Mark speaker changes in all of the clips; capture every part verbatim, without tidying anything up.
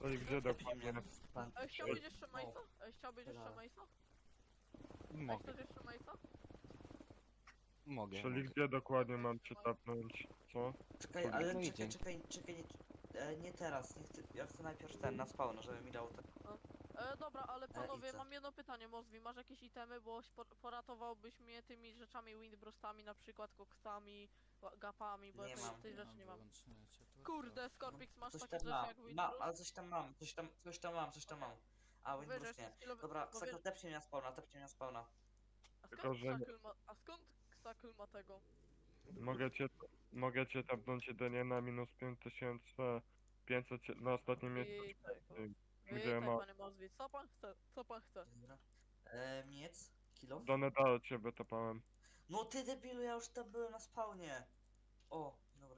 Speaker 1: i gdzie dokładnie?
Speaker 2: Pan.
Speaker 3: Ej, chciałbyś jeszcze Mace'a? Ej, chciałbyś jeszcze
Speaker 2: Dobra.
Speaker 3: Mace'a? Ej,
Speaker 4: Mogę,
Speaker 3: chcesz jeszcze Mace'a?
Speaker 4: mogę,
Speaker 1: Czyli
Speaker 4: mogę.
Speaker 1: gdzie dokładnie mam cię tapnąć? Co?
Speaker 2: Czekaj, ale
Speaker 4: No
Speaker 2: czekaj,
Speaker 4: idzie.
Speaker 2: czekaj, czekaj, nie, e, nie teraz, nie chcę, ja chcę najpierw ten na spawn, żeby mi dał ten.
Speaker 3: E, dobra, ale panowie,
Speaker 2: co?
Speaker 3: mam jedno pytanie, Mozwi, masz jakieś itemy, bo po, poratowałbyś mnie tymi rzeczami windbrostami, na przykład koksami, wa- gapami, bo
Speaker 2: Nie
Speaker 3: ja tej,
Speaker 2: mam.
Speaker 3: tej rzeczy nie mam.
Speaker 4: wyłączone światło.
Speaker 3: Kurde, Scorpix, masz
Speaker 2: Coś
Speaker 3: takie
Speaker 2: tam
Speaker 3: rzeczy
Speaker 2: mam,
Speaker 3: jak
Speaker 2: ma,
Speaker 3: windbrust?
Speaker 2: ale coś tam mam, coś tam, coś tam mam, coś tam mam. A,
Speaker 3: Wiesz,
Speaker 2: Windows
Speaker 3: że
Speaker 2: nie.
Speaker 3: skillowy-
Speaker 2: Dobra,
Speaker 3: bo
Speaker 2: Ksako,
Speaker 3: wiesz-
Speaker 2: tepcie mnie na spawna, tepcie mnie na spawna.
Speaker 3: A
Speaker 1: Tylko,
Speaker 3: skąd
Speaker 1: że-
Speaker 3: Ksakl ma, a skąd Ksakl ma tego?
Speaker 1: Mogę cię, mogę cię tapnąć jedynie na minus pięć tysięcy pięćset na ostatnim miejscu.
Speaker 3: Witaj,
Speaker 1: Gdzie
Speaker 3: witaj
Speaker 1: ma-
Speaker 3: panie Mozwi, co pan chce, co pan chce?
Speaker 2: Dobra. E, miec, kilo.
Speaker 1: Do Nedalu cię wytapałem.
Speaker 2: No ty debilu, ja już tam byłem na spawnie. O, dobra.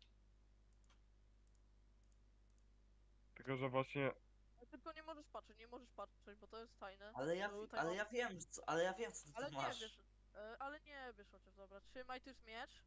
Speaker 1: Tylko, że właśnie
Speaker 3: Tylko nie możesz patrzeć, nie możesz patrzeć, bo to jest tajne.
Speaker 2: Ale ja,
Speaker 3: Bo tutaj
Speaker 2: ale
Speaker 3: mam-
Speaker 2: ja wiem, co, ale ja wiem co ty
Speaker 3: Ale
Speaker 2: tam
Speaker 3: nie
Speaker 2: masz.
Speaker 3: wiesz, e, ale nie wiesz chociaż, dobra, trzymaj, tu jest miecz.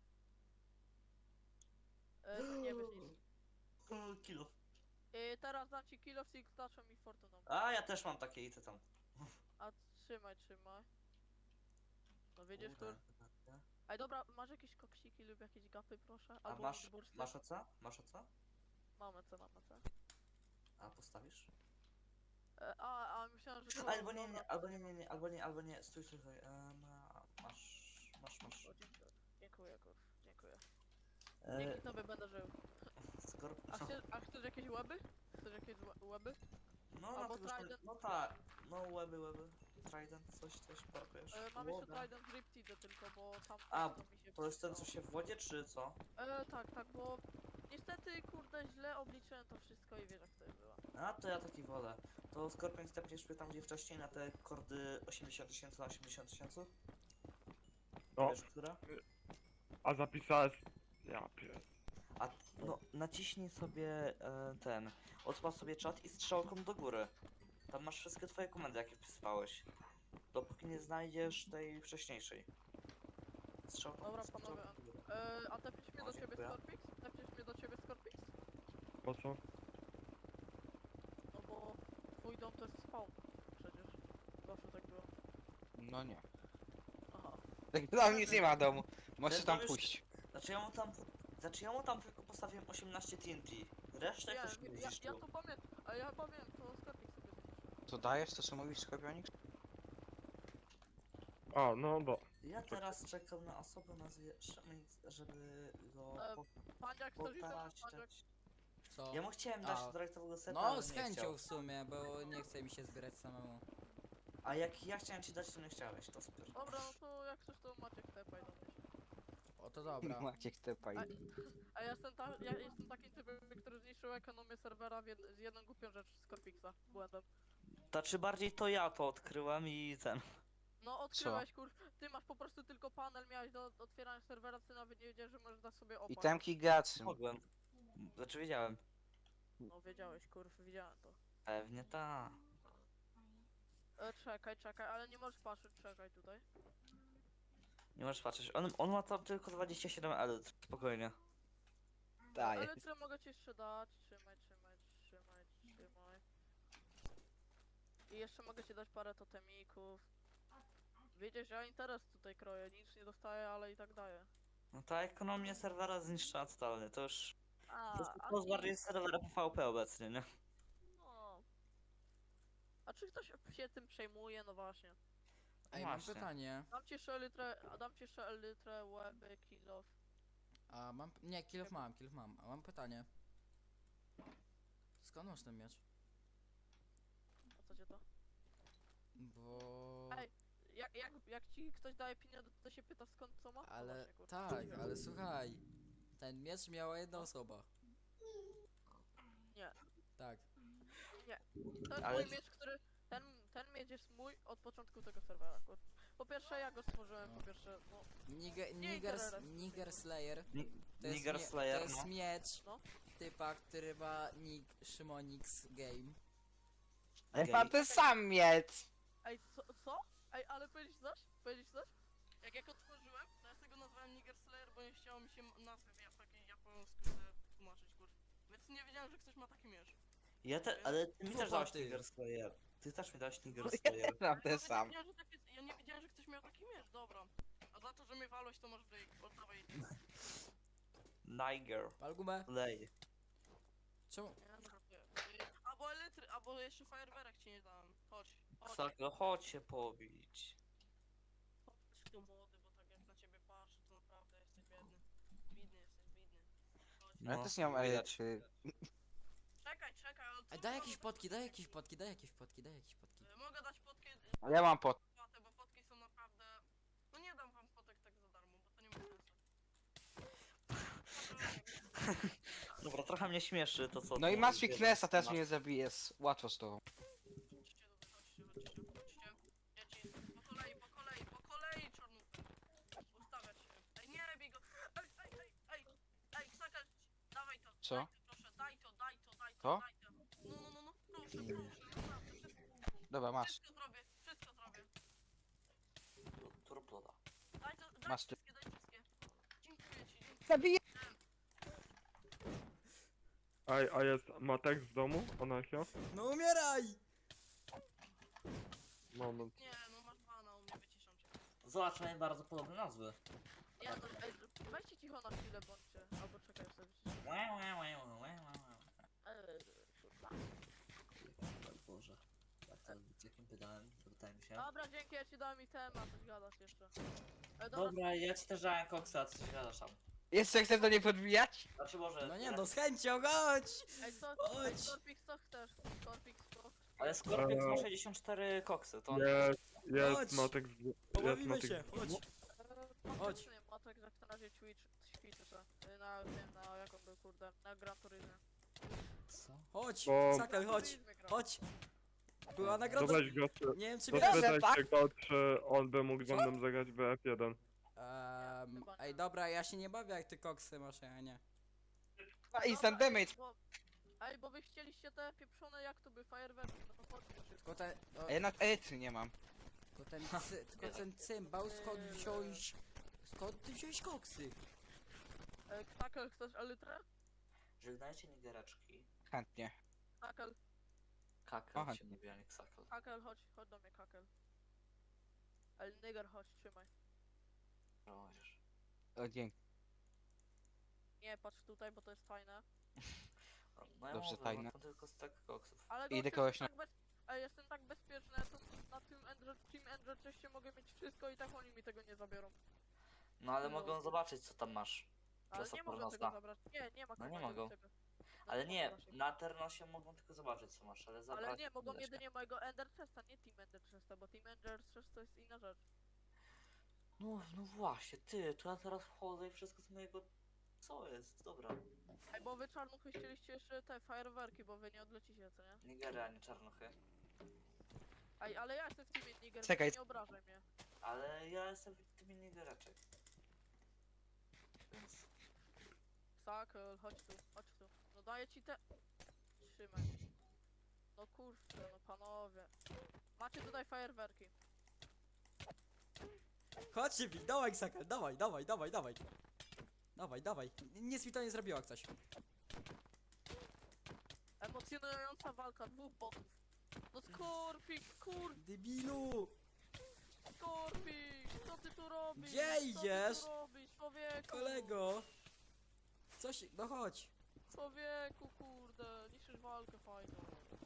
Speaker 3: E, nie wiesz nic.
Speaker 2: O, kilo.
Speaker 3: E, teraz dam ci kill of Silk Touchem i Fortuną.
Speaker 2: A, ja też mam takie i ty tam.
Speaker 3: A trzymaj, trzymaj. No wiedziesz,
Speaker 2: Kurde,
Speaker 3: kur...
Speaker 2: kurde.
Speaker 3: Ej, dobra, masz jakieś koksiki lub jakieś gapy, proszę?
Speaker 2: A
Speaker 3: Albo
Speaker 2: masz,
Speaker 3: windbursty?
Speaker 2: masz o co? Masz o co?
Speaker 3: Mamy co, mamy co.
Speaker 2: A, postawisz?
Speaker 3: E, a, a myślałem, że to...
Speaker 2: Albo nie,
Speaker 3: dobra.
Speaker 2: nie, albo nie, nie, nie, albo nie, albo nie, stój, stój, stój. E, ma, masz, masz, masz.
Speaker 3: O, dziękuję, dziękuję, kurw, dziękuję.
Speaker 2: E,
Speaker 3: Dzięki tobie będę żył.
Speaker 2: skorp...
Speaker 3: A chcesz, a chcesz jakieś łeby? Chcesz jakieś łe- łeby?
Speaker 2: No,
Speaker 3: albo
Speaker 2: na tego, że-
Speaker 3: Trident.
Speaker 2: no tak, no łeby, łeby. Trident, coś, coś parkujesz.
Speaker 3: E, mam jeszcze
Speaker 2: Łoda.
Speaker 3: Trident Riptide tylko, bo tam
Speaker 2: A,
Speaker 3: to mi się
Speaker 2: To jest ten, co
Speaker 3: przydało.
Speaker 2: się w wodzie, czy co?
Speaker 3: E, tak, tak, bo niestety, kurde, źle obliczyłem to wszystko i wiesz jak to było.
Speaker 2: A, to ja taki wolę. To Scorpion stepniesz mnie tam, gdzie wcześniej, na te kordy osiemdziesiąt tysięcy na osiemdziesiąt tysięcy?
Speaker 1: O,
Speaker 2: Wiesz, które?
Speaker 1: a zapisałeś... Ja pier...
Speaker 2: A, no, naciśnij sobie e, ten, odpal sobie czat i strzałką do góry. Tam masz wszystkie twoje komendy, jakie wpisywałeś. Dopóki nie znajdziesz tej wcześniejszej. Strzałką,
Speaker 3: Dobra,
Speaker 2: strzałką
Speaker 3: panowie.
Speaker 2: do góry.
Speaker 3: E, a tepniesz mnie
Speaker 2: O,
Speaker 3: do ciebie
Speaker 2: dziękuję.
Speaker 3: Scorpix? Tepniesz mnie do ciebie Scorpix?
Speaker 1: Po co?
Speaker 3: No bo twój dom to jest spawn, przecież. Zawsze tak było.
Speaker 4: No nie.
Speaker 3: Aha.
Speaker 4: Tak, tam nic nie ma domu. Możesz
Speaker 2: Ten
Speaker 4: tam
Speaker 2: dom już-
Speaker 4: pójść.
Speaker 2: Znaczy ja mu tam, znaczy ja mu tam tylko postawiłem osiemnaście T N T. Resztę
Speaker 3: Ja,
Speaker 2: ktoś nie
Speaker 3: ja, ja
Speaker 2: zniszczył.
Speaker 3: to pamiętam, a ja pamiętam, to Scorpix sobie zniszczył.
Speaker 4: Co dajesz, to co mówisz, Skorpionik?
Speaker 1: A, no bo...
Speaker 2: Ja teraz czekam na osobę nazwie Szemix, żeby go
Speaker 3: E,
Speaker 2: po-
Speaker 3: Pandziak, chcesz iść Pandziak?
Speaker 2: pokazać.
Speaker 5: Co?
Speaker 2: Ja mu chciałem dać
Speaker 5: A.
Speaker 2: dyrektowego seta, ale
Speaker 5: No,
Speaker 2: nie
Speaker 5: z chęcią
Speaker 2: chciał.
Speaker 5: w sumie, bo nie chce mi się zbierać samemu.
Speaker 2: A jak ja chciałem ci dać, to nie chciałeś, to super.
Speaker 3: Dobra, no to jak chcesz to Maciek tepaj do mnie.
Speaker 5: O, to dobra.
Speaker 4: Maciek tepaj.
Speaker 3: A, a ja jestem, ta, ja jestem takim typem, który zniszczył ekonomię serwera w jed, z jedną głupią rzecz Scorpixa, błędem.
Speaker 2: To czy bardziej to ja to odkryłem i ten.
Speaker 3: No odkryłeś kur... Ty masz po prostu tylko panel, miałeś do otwierania serwera, ty nawet nie wiedziałeś, że możesz dać sobie opa.
Speaker 4: I temki graczy.
Speaker 2: Mogłem. Znaczy wiedziałem.
Speaker 3: No wiedziałeś kurw, widziałem to.
Speaker 2: Pewnie ta.
Speaker 3: E, czekaj, czekaj, ale nie możesz patrzeć, czekaj tutaj.
Speaker 2: Nie możesz patrzeć. On, on ma tam tylko dwadzieścia siedem elit. Spokojnie.
Speaker 4: Daję.
Speaker 3: Ale co mogę ci jeszcze dać? Trzymaj, trzymaj, trzymaj, trzymaj. I jeszcze mogę ci dać parę totemików. Widzisz, ja interes tutaj kroję, nic nie dostaję, ale i tak daję.
Speaker 2: No ta ekonomia serwera zniszczyła totalnie. To już.
Speaker 3: A,
Speaker 2: To jest
Speaker 3: a
Speaker 2: to bardziej serwera P V P obecnie, nie?
Speaker 3: no. A czy ktoś się tym przejmuje? No właśnie.
Speaker 5: Ej, mam
Speaker 2: Właśnie.
Speaker 5: pytanie.
Speaker 3: Dam ci jeszcze litrę, a dam ci jeszcze litrę łeby, kilof.
Speaker 5: A mam... Nie, kilof mam, kilof mam. A mam pytanie. Skąd masz ten miecz?
Speaker 3: A co cię to?
Speaker 5: Bo...
Speaker 3: Ej, jak, jak, jak ci ktoś daje pieniądze, to się pyta skąd co ma? No
Speaker 5: Ale...
Speaker 3: właśnie, kurwa.
Speaker 5: Tak, ale słuchaj. Ten miecz miała jedna osoba.
Speaker 3: Nie.
Speaker 5: Tak.
Speaker 3: To jest
Speaker 2: Ale-
Speaker 3: mój miecz, który... Ten, ten miecz jest mój od początku tego serwera, kurwa. Po pierwsze ja go stworzyłem, po pierwsze, no...
Speaker 5: Niger,
Speaker 3: Nie
Speaker 5: Niger,
Speaker 3: interesuje.
Speaker 5: Niger Slayer.
Speaker 2: Ni-
Speaker 5: To jest,
Speaker 2: Niger
Speaker 5: mie-
Speaker 2: Slayer,
Speaker 5: to jest
Speaker 2: no.
Speaker 5: miecz
Speaker 3: No.
Speaker 5: typa, który ma nick Szymonix Game.
Speaker 2: Okej.
Speaker 4: Ma ten sam miecz.
Speaker 3: Ej, co? co? Ej, ale powiedzieć coś? Powiedzieć coś? Jak ja go tworzyłem, to ja z tego nazwałem Niger Slayer, bo nie chciało mi się nazwy w ja- takiej japońskiej tłumaczyć, kurwa. Więc nie wiedziałem, że ktoś ma taki miecz.
Speaker 2: Ja te, ale ty mi też dałeś
Speaker 5: Kłopoty.
Speaker 2: Nigger Slayer. Ty też mi dałeś Nigger Slayer.
Speaker 4: Mam
Speaker 3: Ale
Speaker 4: ten
Speaker 3: ja
Speaker 4: sam.
Speaker 3: Nie wiedziałem, że takie, ja nie wiedziałem, że ktoś miał taki miecz, dobra. A za to, że mnie walłeś, to masz wyjść. Oddawaj.
Speaker 2: Niger.
Speaker 5: Pal gumę.
Speaker 2: Lej.
Speaker 5: Czemu?
Speaker 3: Nie, no żartuję. Y, Albo elektry, albo jeszcze fajerwerek ci nie dałem. Chodź, chodź.
Speaker 2: Ksako, chodź się pobić.
Speaker 3: Chodź tu młody, bo tak jak na ciebie patrzę, to naprawdę jesteś biedny. Bidny jesteś, bidny. Chodź.
Speaker 4: Ja
Speaker 2: No,
Speaker 4: też nie mam
Speaker 2: widać.
Speaker 4: czy...
Speaker 3: Czekaj, czekaj, ale co
Speaker 5: Ej, daj
Speaker 3: wy
Speaker 5: jakieś
Speaker 3: robicie?
Speaker 5: potki, daj jakieś potki, daj jakieś potki, daj jakieś potki.
Speaker 3: Y, Mogę dać potki, y,
Speaker 4: Ale ja mam pot.
Speaker 3: płatę, bo potki są naprawdę... No nie dam wam potek tak za darmo, bo to nie ma sensu.
Speaker 2: Dobra, trochę mnie śmieszy to co...
Speaker 4: No i
Speaker 2: tu
Speaker 4: masz
Speaker 2: mówisz,
Speaker 4: fitnessa, teraz
Speaker 2: masz-
Speaker 4: mnie zabijesz. Łatwo z tobą.
Speaker 3: Chodźcie, chodźcie, chodźcie, chodźcie. Dzieci, po kolei, po kolei, po kolei, czarnówka. Ustawiać się. Ej, nie bij go. Ej, ej, ej, ej, ej, Ksaka, dawaj to.
Speaker 4: Co?
Speaker 3: Daj to, proszę, daj to, daj to, daj to,
Speaker 4: To?
Speaker 3: daj to. No, no, no, no, proszę, proszę, naprawdę, wszystko,
Speaker 4: Dobra, masz.
Speaker 3: wszystko zrobię, wszystko zrobię.
Speaker 2: Turploda.
Speaker 3: Daj to, daj
Speaker 4: Masz ty-
Speaker 3: wszystkie, daj wszystkie. Dziękuję ci, dziękuję.
Speaker 4: Zabiję!
Speaker 1: Ej, a jest Matek z domu? Anarchia?
Speaker 5: No umieraj!
Speaker 1: Moment.
Speaker 3: Nie, no masz bana u mnie, wyciszam cię.
Speaker 2: Zobacz, mają bardzo podobne nazwy.
Speaker 3: Nie, no, ej, weźcie cicho na chwilę, bądźcie. Albo czekaj, sobie wyciszę.
Speaker 2: Łe, łe, łe, łe, łe, łe.
Speaker 3: Eee, kurwa.
Speaker 2: O Boże. Jak to, z jakim pytałem? Zapytałem się.
Speaker 3: Dobra, dzięki, ja ci dałem itema, coś gadasz jeszcze. E, dobra,
Speaker 2: Dobra, ja ci też dałem koksa, a ty się gadasz tam.
Speaker 4: Jeszcze chcesz do niej podbijać?
Speaker 2: Znaczy może...
Speaker 5: No nie, no z chęcią, chodź!
Speaker 3: ej, co, ej,
Speaker 5: Chodź.
Speaker 3: Scorpix, co chcesz? Scorpix, co?
Speaker 2: Ale Scorpion ma
Speaker 1: Eee.
Speaker 2: sześćdziesiąt cztery koksy, to on...
Speaker 1: Jest, jest
Speaker 5: Chodź.
Speaker 1: Matek z... Jest
Speaker 5: Pobawimy
Speaker 1: Matek
Speaker 5: się,
Speaker 1: z...
Speaker 5: chodź.
Speaker 3: Eee,
Speaker 5: Chodź.
Speaker 3: Nie, Matek jak na razie ćwicz, ćwiczy se. Y, Na tym, na jak on był, kurde, na Gran Turismo.
Speaker 2: Co?
Speaker 5: Chodź,
Speaker 1: Bo-
Speaker 5: Sakal, chodź, chodź. Była nagroda.
Speaker 1: Dodać go,
Speaker 5: Nie wiem czy
Speaker 4: Dobra,
Speaker 5: wiesz.
Speaker 1: dopytaj
Speaker 4: tak?
Speaker 1: się go, czy on by mógł ze
Speaker 5: Co?
Speaker 1: mną zagrać w F jeden.
Speaker 5: Um, ej dobra, ja się nie bawię jak ty koksy masz, ja nie.
Speaker 4: A instant damage.
Speaker 3: Bo, ej, bo wy chcieliście te pieprzone, jak to by, fajerwerki, no to chodźcie szybko.
Speaker 5: Tylko ten, o,
Speaker 4: A ja na etry nie mam.
Speaker 5: tylko ten, cy, tylko ten cymbał, skąd wziąłeś, skąd ty wziąłeś koksy?
Speaker 3: E, Ksakel, chcesz elytrę?
Speaker 2: Żegnajcie nigereczki.
Speaker 4: Chętnie.
Speaker 3: Kakel,
Speaker 2: Kakel
Speaker 4: Aha.
Speaker 2: się mówi, a nie ksakel.
Speaker 3: Kakel, chodź, chodź do mnie, Kakel. El Nigger, chodź, trzymaj.
Speaker 2: Możesz.
Speaker 4: O, dzięki.
Speaker 3: Nie, patrz tutaj, bo to jest fajne.
Speaker 2: No ja
Speaker 4: Dobrze,
Speaker 2: mówię,
Speaker 4: tajne.
Speaker 2: mam tam tylko stek koksów.
Speaker 3: Ale
Speaker 4: Idę
Speaker 3: gość,
Speaker 4: kogoś
Speaker 3: jestem, tak bez... Ej, jestem tak bezpieczny, ja tu na tym Ender, Team Ender Chestie mogę mieć wszystko i tak oni mi tego nie zabiorą.
Speaker 2: No ale
Speaker 3: No.
Speaker 2: mogą zobaczyć co tam masz.
Speaker 3: Ale
Speaker 2: Klasa
Speaker 3: nie mogą
Speaker 2: pornosta.
Speaker 3: tego zabrać. Nie, nie ma
Speaker 2: No nie
Speaker 3: kogo
Speaker 2: mogą.
Speaker 3: tego. No
Speaker 2: Ale
Speaker 3: ma
Speaker 2: nie,
Speaker 3: raczej.
Speaker 2: na Ternosie mogą tylko zobaczyć co masz, ale zabrać
Speaker 3: Ale nie, mogą
Speaker 2: da się.
Speaker 3: jedynie mojego Ender Chesta, nie Team Ender Chesta, bo Team Ender Chest to jest inna rzecz.
Speaker 2: No, no właśnie, ty, to ja teraz wchodzę i wszystko z mojego... Co jest? Dobra.
Speaker 3: Ej, bo wy czarnuchy chcieliście jeszcze te fajerwerki, bo wy nie odlecicie, co nie?
Speaker 2: Nigeria, a nie czarnuchy.
Speaker 3: Ej, ale ja jestem w Teamie Niger,
Speaker 4: Czekaj.
Speaker 3: więc nie obrażaj mnie.
Speaker 2: Ale ja jestem w tym nigereczek. Więc...
Speaker 3: Sakel, chodź tu, chodź tu. No daję ci te... Trzymaj. No kurczę, no panowie. Macie tutaj fajerwerki.
Speaker 5: Chodźcie wi, dawaj Sakal, dawaj, dawaj, dawaj, dawaj. Dawaj, dawaj, nic mi to nie zrobiło jak coś.
Speaker 3: Emocjonująca walka dwóch botów. No Skorpik, kur...
Speaker 5: Debilu!
Speaker 3: Skorpik! Co ty tu robisz?
Speaker 5: Gdzie
Speaker 3: Co
Speaker 5: idziesz?
Speaker 3: ty tu robisz, człowieku?
Speaker 5: Kolego! Coś, no chodź.
Speaker 3: Człowieku, kurde, niszczysz walkę fajną.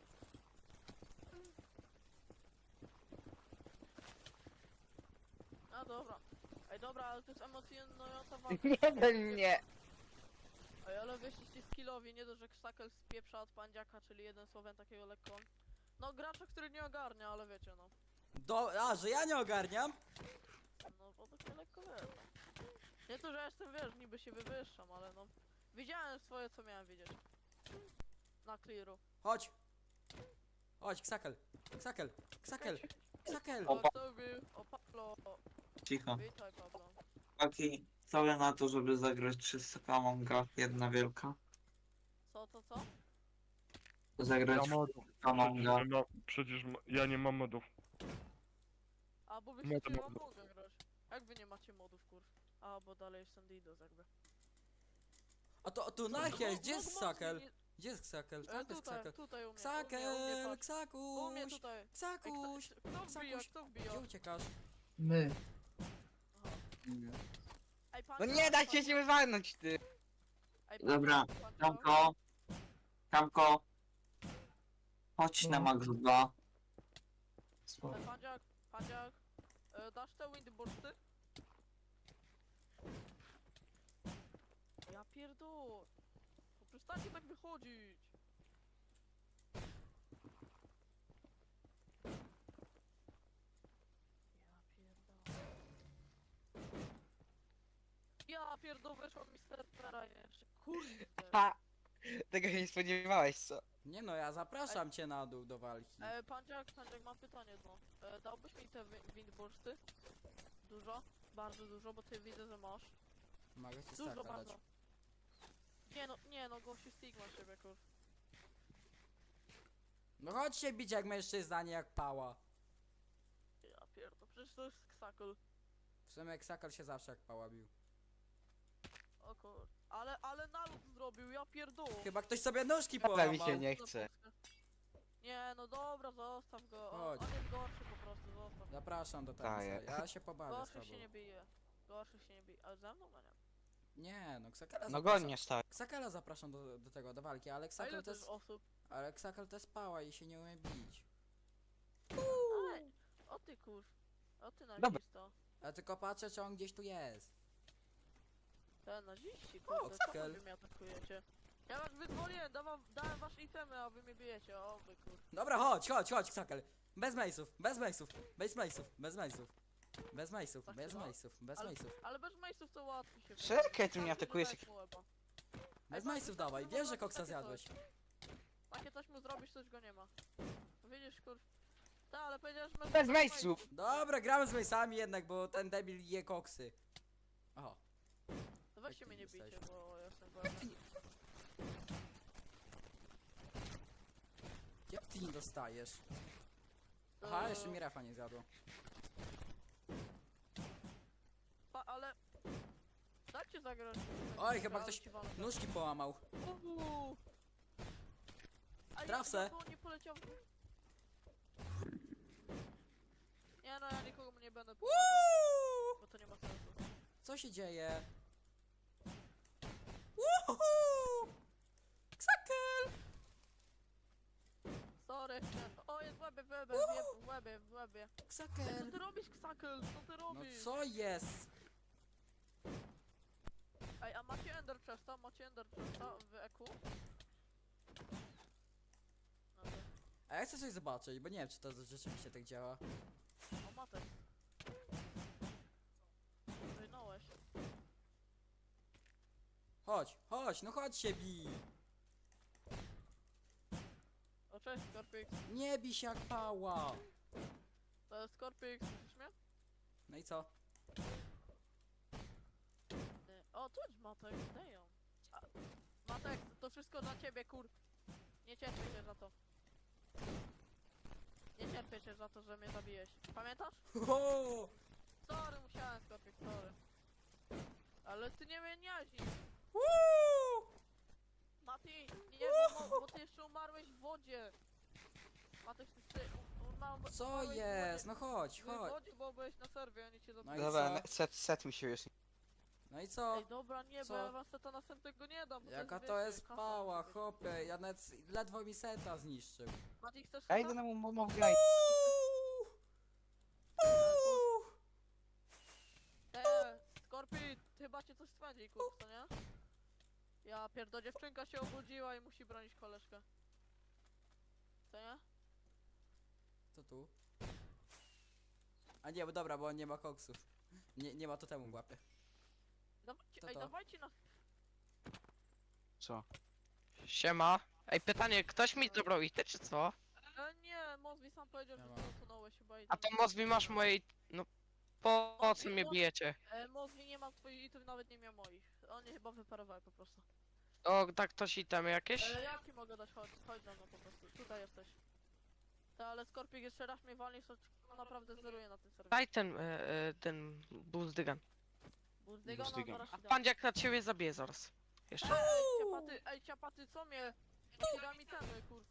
Speaker 3: A dobra. Ej dobra, ale to jest emocjonująca walka.
Speaker 4: Jeden mnie.
Speaker 3: Ej, ale wyszliście skillowi, nie dość, że Ksakel spieprza od pandziaka, czyli jeden słowem takiego lekko. No gracza, który nie ogarnia, ale wiecie no.
Speaker 5: Do, a, że ja nie ogarniam?
Speaker 3: No bo to się lekko wiesz. Nie to, że ja jestem, wiesz, niby się wywyższam, ale no. Widziałem swoje, co miałem widzieć. Na clearu.
Speaker 5: Chodź. Chodź, Ksakel. Ksakel. Ksakel. Ksakel.
Speaker 2: O,
Speaker 3: O, kto był? O, Pablo.
Speaker 6: Cicho.
Speaker 3: Witaj, Pablo.
Speaker 6: Taki cały na to, żeby zagrać trzysta Amonga, jedna wielka.
Speaker 3: Co, co, co?
Speaker 6: Zagrać
Speaker 1: Ja
Speaker 6: w
Speaker 1: modów.
Speaker 6: Amonga.
Speaker 1: Przecież, ma, przecież ma, ja nie mam modów.
Speaker 3: A, bo wy
Speaker 1: Nie,
Speaker 3: chcecie
Speaker 1: to
Speaker 3: mam
Speaker 1: mogę.
Speaker 3: mogę grać. Jak wy nie macie modów, kurw? A, bo dalej jestem Didos jakby.
Speaker 5: A to, tu
Speaker 3: No,
Speaker 5: Nachia,
Speaker 3: no,
Speaker 5: gdzie
Speaker 3: no,
Speaker 5: jest
Speaker 3: mocniej
Speaker 5: Sakel?
Speaker 3: nie-
Speaker 5: Gdzie jest Ksakel?
Speaker 3: E,
Speaker 5: Tam jest
Speaker 3: tutaj,
Speaker 5: Ksakel.
Speaker 3: tutaj u mnie, u mnie, u mnie,
Speaker 5: Ksakel,
Speaker 3: patrz. U mnie
Speaker 5: Ksakuś,
Speaker 3: tutaj. Ej,
Speaker 5: Ksakuś.
Speaker 3: kto, kto wbija,
Speaker 5: Ksakuś.
Speaker 3: kto wbija?
Speaker 5: Gdzie uciekasz?
Speaker 6: My.
Speaker 3: Aha. Ej,
Speaker 4: No
Speaker 3: pancia,
Speaker 4: nie da się
Speaker 3: pancia.
Speaker 4: się wywalnąć, ty!
Speaker 3: Ej,
Speaker 6: Dobra,
Speaker 3: pancia, pancia.
Speaker 6: Kamko. Kamko. Chodź na
Speaker 7: No.
Speaker 6: Max dwa.
Speaker 3: Ej, Pandziak, Pandziak, e, dasz te windbursty? Ja pierdol. No przestańcie tak wychodzić. Ja pierdol. Ja pierdol, weszła mi z serwera jeszcze. Kurde.
Speaker 4: Ha! Tego się nie spodziewałeś, co?
Speaker 5: Nie no, ja zapraszam cię na dół do walki.
Speaker 3: E, Pandziak, Pandziak, mam pytanie jedno. E, dałbyś mi te wi- windbursty? Dużo? Bardzo dużo, bo ty widzę, że masz.
Speaker 5: Mogę ci
Speaker 3: Dużo
Speaker 5: staka dać.
Speaker 3: bardzo. Nie no, nie no, gościu Stigma siebie, kur.
Speaker 5: No chodź się bić jak mężczyzna, nie jak pała.
Speaker 3: Ja pierdol, przecież to jest ksakol.
Speaker 5: W sumie Ksakel się zawsze jak pała bił.
Speaker 3: O kur... Ale, ale nalot zrobił, ja pierdol.
Speaker 5: Chyba ktoś sobie nóżki
Speaker 4: Ale
Speaker 5: połamał.
Speaker 4: mi się nie chce.
Speaker 3: Nie no dobra, zostaw go. On,
Speaker 5: Chodź.
Speaker 3: on jest gorszy po prostu, zostaw.
Speaker 5: Zapraszam do
Speaker 4: Daję.
Speaker 5: tenisa, ja się pobawię z
Speaker 3: Gorszy
Speaker 5: tobą.
Speaker 3: się nie bije. Gorszy się nie bije. Ale ze mną? No nie.
Speaker 5: Nie, no Ksakela
Speaker 4: No
Speaker 5: zapraszam.
Speaker 4: godnie stary.
Speaker 5: Ksakela zapraszam do, do tego, do walki, ale
Speaker 3: A ile
Speaker 5: Ksakel
Speaker 3: to
Speaker 5: to
Speaker 3: jest
Speaker 5: jest...
Speaker 3: osób?
Speaker 5: Ale Ksakel to jest pała i się nie umie bić.
Speaker 3: Ej, o ty kur... O ty
Speaker 4: Dobra.
Speaker 3: nazisto.
Speaker 5: Ja tylko patrzę, czy on gdzieś tu jest.
Speaker 3: Ten naziści, kurde, co
Speaker 5: Oxkel.
Speaker 3: wy mnie atakujecie? Ja was wyzwoliłem, dawam, dałem wasze itemy, a wy mnie bijecie, o wy kur...
Speaker 5: Dobra, chodź, chodź, chodź, Ksakel. Bez mejsów, bez mejsów, bez mejsów, bez mejsów. Bez mejsów,
Speaker 3: Tak
Speaker 5: bez
Speaker 3: chyba?
Speaker 5: mejsów, bez
Speaker 3: Ale-
Speaker 5: mejsów.
Speaker 3: Ale bez majsów to łatwiej się
Speaker 4: Czekaj, ty mnie
Speaker 3: Wystarczy,
Speaker 4: atakujesz
Speaker 3: że
Speaker 4: jak-
Speaker 3: dajesz mu łeba.
Speaker 5: Bez
Speaker 3: Ej,
Speaker 5: mejsów
Speaker 3: patrz,
Speaker 5: dawaj,
Speaker 3: wystarczy,
Speaker 5: wiem, że
Speaker 3: zrobić
Speaker 5: koksa
Speaker 3: takie
Speaker 5: zjadłeś.
Speaker 3: coś. Takie coś mu zrobisz, coś go nie ma. Widzisz, kur... Tak, ale powiedziałeś, że...
Speaker 4: Bez mejsów!
Speaker 5: Dobra, gramy z mejsami jednak, bo ten debil je koksy. Oho.
Speaker 3: To weźcie
Speaker 5: Jak
Speaker 3: mnie
Speaker 5: ty
Speaker 3: nie bijcie,
Speaker 5: jesteś?
Speaker 3: bo ja jestem wolny.
Speaker 5: Jak ty nie dostajesz? Aha,
Speaker 3: Eee,
Speaker 5: jeszcze mi refa nie zjadło.
Speaker 3: Pa, ale... Dajcie zagrać.
Speaker 5: Oj, chyba
Speaker 3: Ale
Speaker 5: ktoś
Speaker 3: ci walę.
Speaker 5: nóżki połamał.
Speaker 3: Uuu. Ej,
Speaker 5: Traf se.
Speaker 3: dlaczego nie poleciał w... Nie no, ja nikogo nie będę pomagał,
Speaker 5: Uuu!
Speaker 3: bo to nie ma sensu.
Speaker 5: Co się dzieje? Uhu! Ksakel!
Speaker 3: Sorry. O, jest w łebie, w łebie, w łebie, w łebie, w łebie. Ej, co
Speaker 5: Ksakel!
Speaker 3: ty robisz, Ksakel? Co ty
Speaker 5: No
Speaker 3: robisz?
Speaker 5: co jest?
Speaker 3: Ej, a macie Ender Chesta? Macie Ender Chesta w E Q? No to...
Speaker 5: A ja chcę coś zobaczyć, bo nie wiem, czy to rzeczywiście tak działa.
Speaker 3: O, matek. Wyjnąłeś.
Speaker 5: Chodź, chodź, no chodź się bij!
Speaker 3: O, cześć, Scorpix.
Speaker 5: Nie bij się jak pała!
Speaker 3: To jest Scorpix, słyszysz mnie?
Speaker 5: No i co?
Speaker 3: Nie. O, tu jest Matek, dają. Matek, to wszystko dla ciebie, kur... Nie cierpię się za to. Nie cierpię się za to, że mnie zabiłeś. Pamiętasz?
Speaker 5: Ho!
Speaker 3: Sorry, musiałem, Scorpix, sorry. Ale ty nie mnie nie jaźnisz.
Speaker 5: Uuu!
Speaker 3: Mati, nie, bo, bo, bo ty jeszcze umarłeś w wodzie. Matek, ty, ty umarłeś
Speaker 5: Co
Speaker 3: umarłeś w
Speaker 5: jest?
Speaker 3: wodzie.
Speaker 5: No chodź,
Speaker 3: Byłeś w
Speaker 5: chodź.
Speaker 3: wodzie, bo byłeś na serwie, oni cię
Speaker 5: No i
Speaker 3: zabiją.
Speaker 4: Dobra,
Speaker 5: co?
Speaker 4: set, set mi się już.
Speaker 5: No i co?
Speaker 3: Ej, dobra, nie,
Speaker 5: Co?
Speaker 3: bo ja was to następnego nie dam. bo
Speaker 5: Jaka
Speaker 3: jest,
Speaker 5: to
Speaker 3: wiecie,
Speaker 5: jest
Speaker 3: kasa
Speaker 5: pała,
Speaker 3: musi być.
Speaker 5: chłopie, ja nawet ledwo mi seta zniszczył.
Speaker 3: Mati, chcesz
Speaker 4: Ja
Speaker 3: seta?
Speaker 4: idę na Mogaj.
Speaker 5: Uuu! Uuu!
Speaker 3: Eee, Skorpi, chyba cię coś swędzi, kurwa, nie? Ja pierdo, dziewczynka się obudziła i musi bronić koleżkę. Co nie?
Speaker 5: Co tu? A nie, bo dobra, bo on nie ma koksów. Nie, nie ma totemu w łapie.
Speaker 3: Dawajcie,
Speaker 5: Co
Speaker 3: ej,
Speaker 5: to?
Speaker 3: dawajcie na...
Speaker 4: Co?
Speaker 8: Siema. Ej, pytanie, ktoś mi zabrał ite, czy co?
Speaker 3: E, nie, Mozwi sam powiedział,
Speaker 5: Nie
Speaker 3: że
Speaker 5: ma.
Speaker 3: ty utonąłeś chyba i...
Speaker 8: A to Mozwi masz mojej... No... Po, po co mnie bijecie?
Speaker 3: E, Mozwi nie ma twoich itów, nawet nie miał moich. Oni chyba wyparowały po prostu.
Speaker 8: O, tak ktoś itemy jakieś?
Speaker 3: E, jaki mogę dać? Chodź, chodź za mną po prostu. Tutaj jesteś. Ta, ale Skorpik jeszcze raz mnie walnie, to naprawdę zeruje na tym serwerze.
Speaker 8: Daj ten, e, e, ten buzdygan.
Speaker 3: Burdyga, no
Speaker 4: Buzdygan.
Speaker 3: zaraz
Speaker 8: A
Speaker 3: ci dam.
Speaker 8: pandziak na ciebie zabije zaraz. Jeszcze.
Speaker 3: Ej, ciapaty, ej, ciapaty, co mnie? Piramidemy, kurs.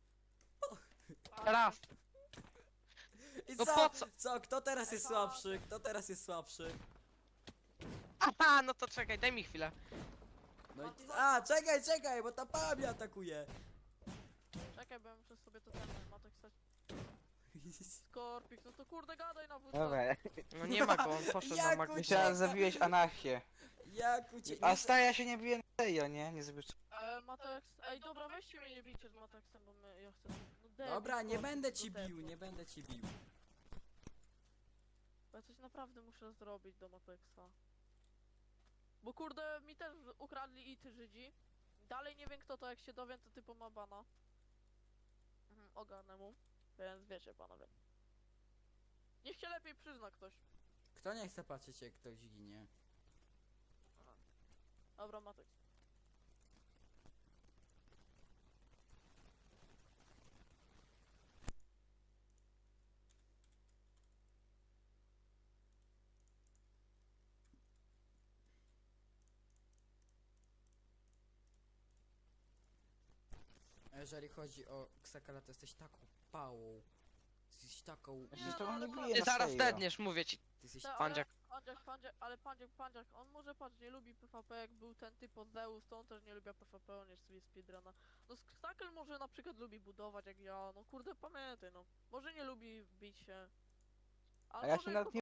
Speaker 8: Raz.
Speaker 5: I
Speaker 8: No
Speaker 5: co?
Speaker 8: po co?
Speaker 5: Co? Kto teraz jest słabszy? Kto teraz jest słabszy?
Speaker 8: Aha, no to czekaj, daj mi chwilę.
Speaker 5: No i... A, czekaj, czekaj, bo ta pała mnie atakuje.
Speaker 3: Czekaj, bo ja muszę sobie to ten matek stać. Skorpik, no to kurde gadaj na wódce.
Speaker 4: Dobra,
Speaker 8: No nie ma go, on poszedł na
Speaker 5: Jak
Speaker 8: mag...
Speaker 4: myślałem, że zabiłeś anarchię.
Speaker 5: Jak ucie...
Speaker 4: A stary, ja się nie biję na serio, nie? Nie zrobisz.
Speaker 3: E, Matex, ej dobra, weźcie mnie nie bijcie z Matexem, bo my, ja chcę... No debil,
Speaker 5: Dobra, nie
Speaker 3: Skorpik,
Speaker 5: będę
Speaker 3: no
Speaker 5: ci
Speaker 3: debil.
Speaker 5: bił, nie będę ci bił.
Speaker 3: Bo ja coś naprawdę muszę zrobić do Matexa. Bo kurde, mi też ukradli i ty Żydzi. Dalej nie wiem kto to, jak się dowiem, to typu ma bana. Mhm, ogarnę mu. Więc wiecie panowie. Niech się lepiej przyzna ktoś.
Speaker 5: Kto nie chce patrzeć jak ktoś ginie?
Speaker 3: Dobra, Matex.
Speaker 5: A jeżeli chodzi o Ksakala, to jesteś taką pałą. Jesteś taką...
Speaker 4: Ja się z tobą nie biję
Speaker 8: Ty
Speaker 4: na
Speaker 8: zaraz
Speaker 4: serio.
Speaker 8: dedniesz, mówię ci.
Speaker 5: Ty jesteś...
Speaker 3: Ta, ale-
Speaker 8: Pandziak.
Speaker 3: Pandziak, pandziak, ale pandziak, pandziak, on może patrz, nie lubi PvP, jak był ten typ od Zeus, to on też nie lubi PvP, on jest sobie speedruna. No Stakel może na przykład lubi budować jak ja, no kurde pamiętaj no. Może nie lubi bić się. Ale
Speaker 4: A ja
Speaker 3: może
Speaker 4: się
Speaker 3: jest
Speaker 4: nawet
Speaker 3: po
Speaker 4: nie